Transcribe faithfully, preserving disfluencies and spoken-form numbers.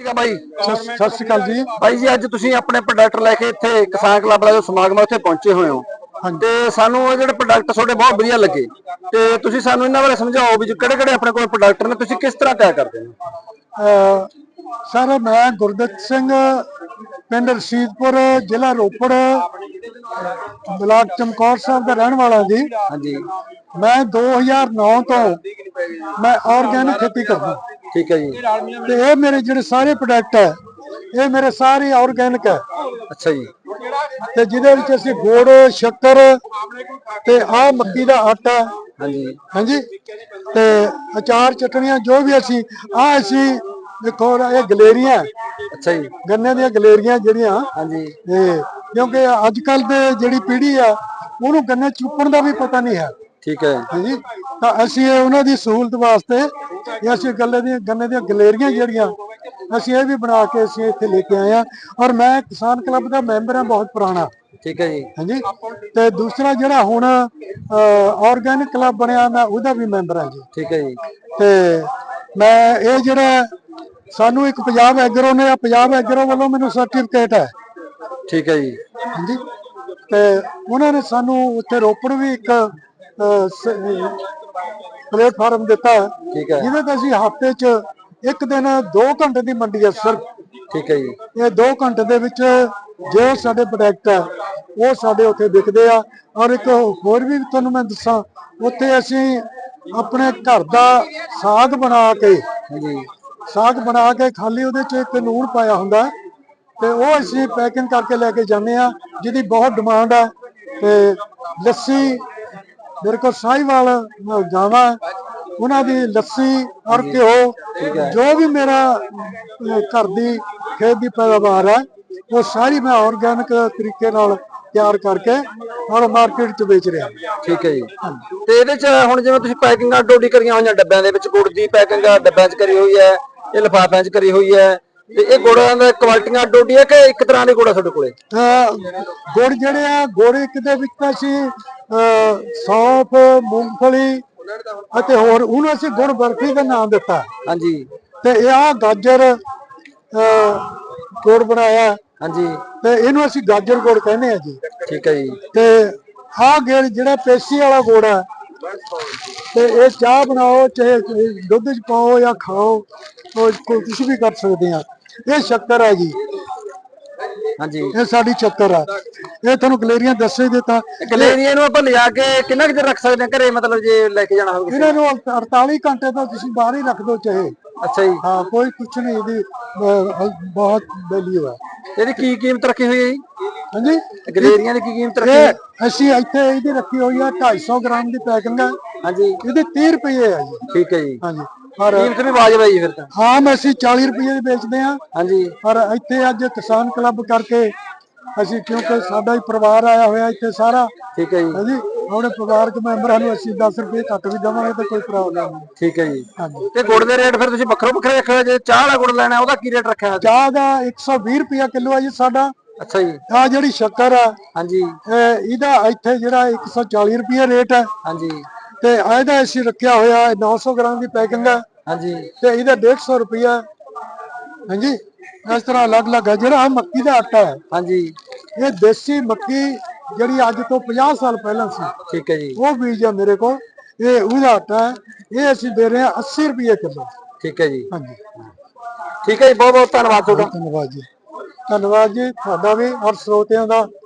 भाई सत श्री अकाल जी भाई जी अज तुसीं अपने प्रोडक्ट लैके इत्थे किसान क्लब वाला जो समागम उत्थे पहुंचे हुए हो ते सानू ये जिहड़े प्रोडक्ट तुहाडे बहुत वधिया लगे ते तुसीं सानू इन्हां बारे समझाओ भी किहड़े किहड़े अपने कोल प्रोडक्ट ने तुसीं किस तरह तैयार करदे हो। सर मैं गुरदत्त सिंह पिंड रशीदपुर जिला रोपड़ ब्लाक चमकौर साहब का रहने वाला जी। हाँ जी मैं दो हज़ार नौ तो मैं ऑर्गेनिक खेती करदा। ठीक है जी। ते ये मेरे जिहड़े सारे प्रोडक्ट है ये मेरे सारे ऑर्गेनिक है। अच्छा जी। ते जिहदे विच असीं गुड़ शक्कर ते आ मक्की दा आटा हाँ जी हाँ जी ते अचार चटनियां जो भी असीं आ असीं देखो ये गलेरियां अच्छा जी गन्ने दी गलेरियां जिहड़ियां हाँ जी ते क्योंकि अजकल दे जिहड़ी पीढ़ी आ ਉਹਨੂੰ गन्ने चुपण दा भी पता नहीं है। ठीक है हाँ जी तो असीं उन्हां दी सहूलत वास्ते असीं गल्ले दी गन्ने दी गलेरियां जिहड़ियां असीं ये भी बना के असीं इत्थे लेके आए हैं और मैं किसान क्लब का मैंबर हां बहुत पुराना। ठीक है जी हाँ जी ते दूसरा जिहड़ा हुण ऑर्गेनिक क्लब बनिया मैं उहदा भी मैंबर हां जी। ठीक है जी ते मैं ये जिहड़ा सानू एक पंजाब एग्रो ने पंजाब एग्रो वालों मैनू सर्टिफिकेट है। ठीक है जी हाँ जी ते उन्होंने सानू उत्थे रोपड़ भी एक प्लेटफार्म दिता है ठीक है जिहदे ते असीं हफ्ते च एक दिन दो घंटे की मंडी है सिर्फ। ठीक है जी ये दो घंटे दे विच जो साडे प्रोडक्ट है वो साडे उत्थे विकदे आ और एक होर भी तुहानू मैं दस्सां उत्थे असीं अपने घर दा साग बना के हाँ जी साग बना के खाली उहदे च एक लूण पाया हुंदा ते वो असीं पैकिंग करके लैके जाने आ जिहदी बहुत डिमांड है। ते लस्सी मेरे को साहिवाल गावां उन्हां दी लस्सी और घ्यो जो भी मेरा घर दी खेत दी पैदावार है वो सारी मैं ऑर्गेनिक तरीके नाल तैयार करके और मार्केट च बेच रहा। ठीक है जी ते इहदे च हुण जिवें तुसीं पैकिंगां डोडी करियां होईयां डब्बिਆਂ ਦੇ ਵਿੱਚ गुड़ दी पैकिंग डब्बिਆਂ 'ਚ करी हुई है ये लिफाफिਆਂ 'ਚ करी हुई है ਤੇ ਇਹ ਗੁੜਾਂ ਦਾ ਕੁਆਲਟੀਆਂ ਡੋਡੀ ਹੈ ਕਿ ਇੱਕ ਤਰ੍ਹਾਂ ਦੇ ਗੁੜ ਆ ਤੁਹਾਡੇ ਕੋਲੇ। ਗੁੜ ਜਿਹੜੇ ਆ ਗੁੜ ਇੱਕ ਦੇ ਵਿੱਚ ਤਾਂ ਅਸੀਂ ਸੌਂਫ ਮੂੰਗਫਲੀ ਅਤੇ ਹੋਰ ਉਹਨੂੰ ਅਸੀਂ ਗੁੜ ਬਰਫੀ ਦਾ ਨਾਮ ਦਿੱਤਾ। ਹਾਂਜੀ ਤੇ ਇਹ ਆ ਗਾਜਰ ਗੁੜ ਬਣਾਇਆ ਹਾਂਜੀ ਤੇ ਇਹਨੂੰ ਅਸੀਂ ਗਾਜਰ ਗੁੜ ਕਹਿੰਦੇ ਆ ਜੀ। ਠੀਕ ਹੈ ਜੀ ਤੇ ਆਹ ਗੇੜ ਜਿਹੜਾ ਪੇਸੀ ਵਾਲਾ ਗੁੜ ਆ ਤੇ ਇਹ ਚਾਹ ਬਣਾਓ ਚਾਹੇ ਦੁੱਧ ਚ ਪਾਓ ਜਾਂ ਖਾਓ ਕੁਝ ਵੀ ਕਰ ਸਕਦੇ ਆ। ਇਹ ਸ਼ੱਕਰ ਹੈ ਜੀ। ਹਾਂਜੀ ਇਹ ਸਾਡੀ ਸ਼ੱਕਰ ਆ। ਇਹ ਤੁਹਾਨੂੰ ਗਲੇਰੀਆਂ ਦੱਸ ਹੀ ਦਿੱਤਾ। ਗਲੇਰੀਆਂ ਨੂੰ ਆਪਾਂ ਲਿਜਾ ਕੇ ਕਿੰਨਾ ਕੁ ਚਿਰ ਰੱਖ ਸਕਦੇ ਆ ਘਰੇ ਮਤਲਬ ਜੇ ਲੈ ਕੇ ਜਾਣਾ ਹੋਵੇ ਇਹਨਾਂ ਨੂੰ अड़तालीस घंटे तो ਤੁਸੀਂ ਬਾਹਰ ਹੀ ਰੱਖ ਦੋ ਚਾਹੇ। ਅੱਛਾ ਜੀ ਹਾਂ ਕੋਈ ਕੁਛ ਨਹੀਂ ਇਹਦੀ ਬਹੁਤ ਵੈਲਿਊ ਹੈ। ਇਹਦੀ ਕੀ ਕੀਮਤ ਰੱਖੀ ਹੋਈ ਹੈ ਜੀ। ਹਾਂਜੀ ਗਲੇਰੀਆਂ ਦੀ ਕੀ ਕੀਮਤ ਰੱਖੀ ਹੈ। ਅਸੀਂ ਇੱਥੇ ਇਹਦੀ ਰੱਖੀ ਹੋਈ ਆ ढाई सौ ਗ੍ਰਾਮ ਦੀ ਪੈਕਿੰਗ ਹੈ। ਹਾਂਜੀ ਇਹਦੇ तीस रुपए ਹੈ ਜੀ। ਠੀਕ ਹੈ ਜੀ ਹਾਂਜੀ कीमत भी वाजिब है जी फिर तो। हाँ मैं असी चालीस रुपये की बेचते हैं। हाँ जी पर इतने अज किसान क्लब करके असी क्योंकि साडा ही परिवार आया हुआ इतने सारा। ठीक है जी हाँ जी अपने परिवार के मैंबरां नूं असी दस रुपये घट भी देवांगे तो कोई प्रॉब्लम नहीं। ठीक है जी हाँ जी ते गुड़ दे रेट फिर तुसीं वक्रो वक्रे रखे जे चाह वाला गुड़ लेना ओहदा की रेट रखा है। चाह का एक सौ बीस रुपया किलो है जी साडा। अच्छा जी आ जिहड़ी शक्कर है हाँ जी इहदा इत्थे जिहड़ा एक सौ चालीस रुपये रेट है। हाँ जी ते इहदा असी रखिया होया नौ सौ ग्राम की पैकिंग है। हाँ जी ते इहदा डेढ़ सौ रुपया। हाँ जी इस तरह अलग अलग है। जिहड़ा मक्की दा आटा है हाँ जी ये देसी मक्की जिहड़ी अज तो पचास साल पहला सी ठीक है जी वो बीज है मेरे को ये उहदा आटा है। ये असी दे रहे हैं अस्सी रुपये किलो। ठीक है जी हाँ जी ठीक है जी बहुत बहुत धन्यवाद तुहाडा। धन्यवाद जी धन्यवाद जी तुहाडा भी और श्रोतियां दा।